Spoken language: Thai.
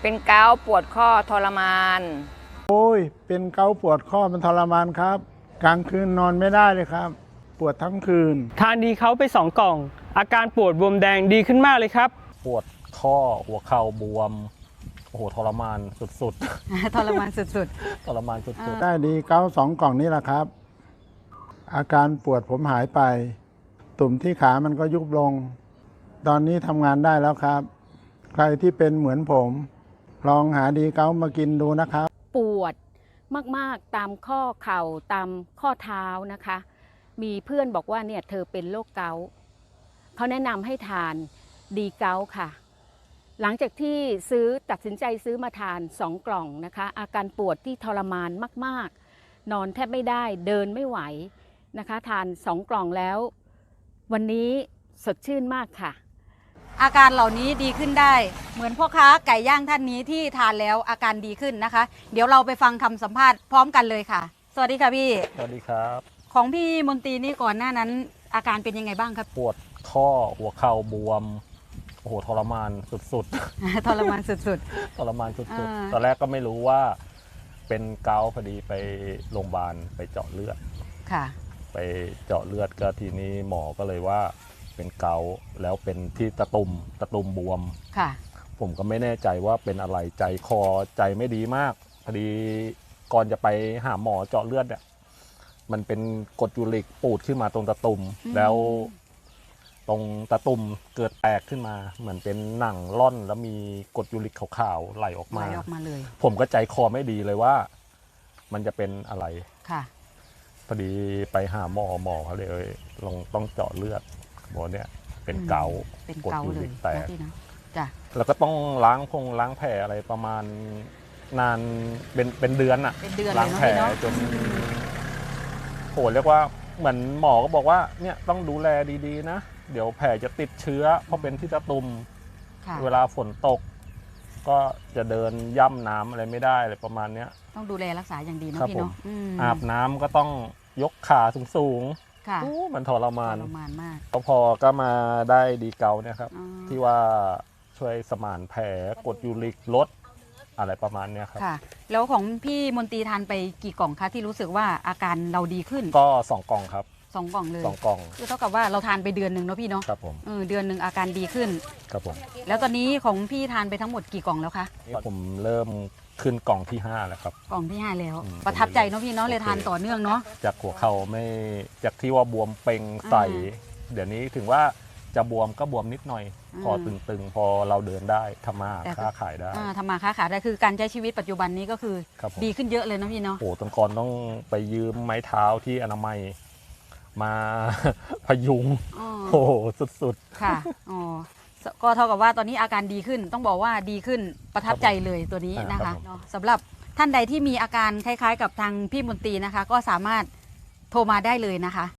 เป็นเกาต์ปวดข้อทรมานโอ้ยเป็นเกาต์ปวดข้อมันทรมานครับกลางคืนนอนไม่ได้เลยครับ ปวดทั้งคืนทานดีเขาไป2 กล่อง อาการปวดบวมแดงดีขึ้นมากเลยครับปวดข้อหัวเข่าบวมโอ้โหทรมานสุดทรมานสุดๆ ทรมานสุดได้ดีเกาต์2 กล่องนี้แหละครับ อาการปวดผมหายไป ตุ่มที่ขามันก็ยุบลง ตอนนี้ทำงานได้แล้วครับ ใครที่เป็นเหมือนผม ลองหาดีเกาต์มากินดูนะครับปวดมากๆตามข้อเข่าตามข้อเท้านะคะ มีเพื่อนบอกว่าเนี่ยเธอเป็นโรคเกาต์เขาแนะนำให้ทานดีเกาต์ค่ะ หลังจากที่ตัดสินใจซื้อมาทาน2 กล่องนะคะ อาการปวดที่ทรมานมากๆ นอนแทบไม่ได้เดินไม่ไหวนะคะทาน2 กล่องแล้ว วันนี้สดชื่นมากค่ะๆ อาการเหล่านี้ดีขึ้นได้ เหมือนพ่อค้าไก่ย่างท่านนี้ที่ทานแล้วอาการดีขึ้นนะคะ เดี๋ยวเราไปฟังคำสัมภาษณ์พร้อมกันเลยค่ะ สวัสดีค่ะพี่สวัสดีครับของพี่มนตรีนี่ก่อนหน้านั้น อาการเป็นยังไงบ้างครับปวดข้อหัวเข่าบวมโอ้โหทรมานสุดทรมานสุดๆ ทรมานสุดอ่าๆ ตอนแรกก็ไม่รู้ว่าเป็นเกาต์พอดีไปโรงพยาบาลไปเจาะเลือดๆ ค่ะไปเจาะเลือดก็ทีนี้หมอก็เลยว่าเป็นเกาต์แล้วเป็นที่ตะตุ่มบวมค่ะผมก็ไม่แน่ใจว่าเป็นอะไรใจคอใจไม่ดีมากพอดีก่อนจะไปหาหมอเจาะเลือดเนี่ยมันเป็นกรดยูริกปูดขึ้นมาตรงตะตุ่มแล้วตรงตะตุ่มเกิดแตกขึ้นมาเหมือนเป็นหนังร่อนแล้วมีกรดยูริกขาวๆไหลออกไหลมาออกมาเลยผมก็ใจคอไม่ดีเลยว่า มันจะเป็นอะไรค่ะพอดีไปหาหมอเขาเลยลองต้องเจาะเลือดบอกเนี่ยเป็นเกาต์เป็นกรดเกายูเลริยกแตนะกพี่เนาะจ้ะแล้วก็ต้องล้างแผลอะไรประมาณนานเป็นเดือนอะเป็นเดือนเลล้าย งเนาะแผลพี่เนาะจนโหเรียกว่าเหมือนหมอก็บอกว่าเนี่ยต้องดูแลดีๆนะ เดี๋ยวแผลจะติดเชื้อเพราะเป็นที่ตะตุ่มค่ะเวลาฝนตก ก็จะเดินย่ำน้ำอะไรไม่ได้อะไรประมาณเนี้ยต้องดูแลรักษาอย่างดีเนาะครับพี่เนาะผมมอาบน้ำก็ต้องยกขาสูงค่ะๆมันทรมานทรมานมากแล้วพอก็มาได้ดีเกาเนี่ยครับอ๋อที่ว่าช่วยสมานแผลกดยูริกลดอะไรประมาณเนี้ยครับค่ะ แล้วของพี่มนตรีทานไปกี่กล่องคะที่รู้สึกว่าอาการเราดีขึ้นก็2 กล่องครับ 2 กล่องเลย 2 กล่องคือเท่ากับว่าเราทานไปเดือนหนึ่งเนาะพี่เนาะครับผมเดือนหนึ่งอาการดีขึ้นครับผมแล้วตอนนี้ของพี่ทานไปทั้งหมดกี่กล่องแล้วคะผมเริ่มขึ้นกล่องที่ 5 แล้วครับกล่องที่ 5 แล้วอืมประทับใจเนาะพี่เนาะเลยทานต่อเนื่องเนาะจากหัวเข่าไม่จากที่ว่าบวมเป่งใส เดี๋ยวนี้ถึงว่าจะบวมก็บวมนิดหน่อย พอตึงๆ พอเราเดินได้ทำมาหาค้าขายได้ทำมาค้าขายได้คือการใช้ชีวิตปัจจุบันนี้ก็คือครับผมดีขึ้นเยอะเลยเนาะพี่เนาะโอ้ตอนก่อนต้องไปยืมไม้เท้าที่อนามัยมา พยุงอ๋อโอ้โหสุดค่ะอ๋อก็เท่ากับว่าตอนนี้อาการดีขึ้นต้องบอกว่าดีขึ้นประทับใจเลยตัวนี้นะครัคะบผมเนาะสำหรับท่านใดที่มีอาการคล้ายๆ กับทางพี่มนตรีนะคะ ก็สามารถโทรมาได้เลยนะคะ